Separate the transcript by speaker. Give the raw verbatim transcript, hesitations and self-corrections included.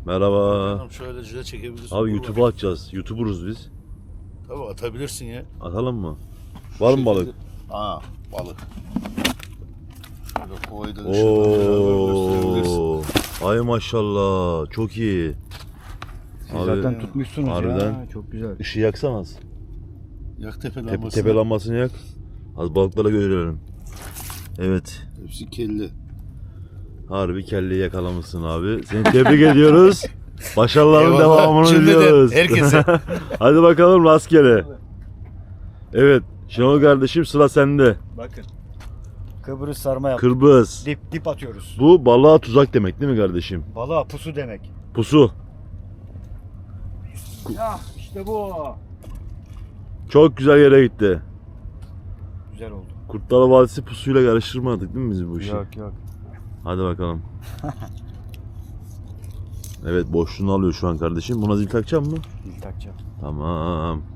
Speaker 1: Merhaba.
Speaker 2: Tamam, şöyle cüce çekebilirsin.
Speaker 1: Abi
Speaker 2: Dur
Speaker 1: YouTube'a
Speaker 2: bakayım.
Speaker 1: atacağız. YouTuber'uz biz.
Speaker 2: Tabii atabilirsin ya.
Speaker 1: Atalım mı? Var mı balık?
Speaker 2: Aa, balık. Şöyle kovayı da ışığından beraber gösterebilirsin.
Speaker 1: Oo. Ay maşallah. Çok iyi.
Speaker 3: Siz
Speaker 1: Abi,
Speaker 3: zaten tutmuşsunuz
Speaker 1: harbiden.
Speaker 3: ya. Çok güzel.
Speaker 1: Işığı yaksana az.
Speaker 2: Yak tepe
Speaker 1: Tepe,
Speaker 2: lambasını.
Speaker 1: tepe lambasını yak. Az balıklara görelim. Evet.
Speaker 2: Hepsi kelli.
Speaker 1: Harbi kelleyi yakalamışsın abi. Seni tebrik ediyoruz. Başarıların
Speaker 2: Eyvallah.
Speaker 1: devamını
Speaker 2: Şimdiden
Speaker 1: diliyoruz.
Speaker 2: herkese.
Speaker 1: Hadi bakalım rastgele. Evet. Şenol kardeşim sıra sende.
Speaker 3: Bakın. Kıbrıs sarma yaptık.
Speaker 1: Kırbız.
Speaker 3: Dip dip atıyoruz.
Speaker 1: Bu balığa tuzak demek değil mi kardeşim?
Speaker 3: Balığa pusu demek.
Speaker 1: Pusu.
Speaker 3: Ya işte bu.
Speaker 1: Çok güzel yere gitti.
Speaker 3: Güzel oldu.
Speaker 1: Kurtlar Vadisi pusuyla karıştırmadık değil mi biz bu işi?
Speaker 3: Yok yok.
Speaker 1: Hadi bakalım. Evet boşluğunu alıyor şu an kardeşim. Buna zil takacak mı?
Speaker 3: Dil takacağım.
Speaker 1: Tamam.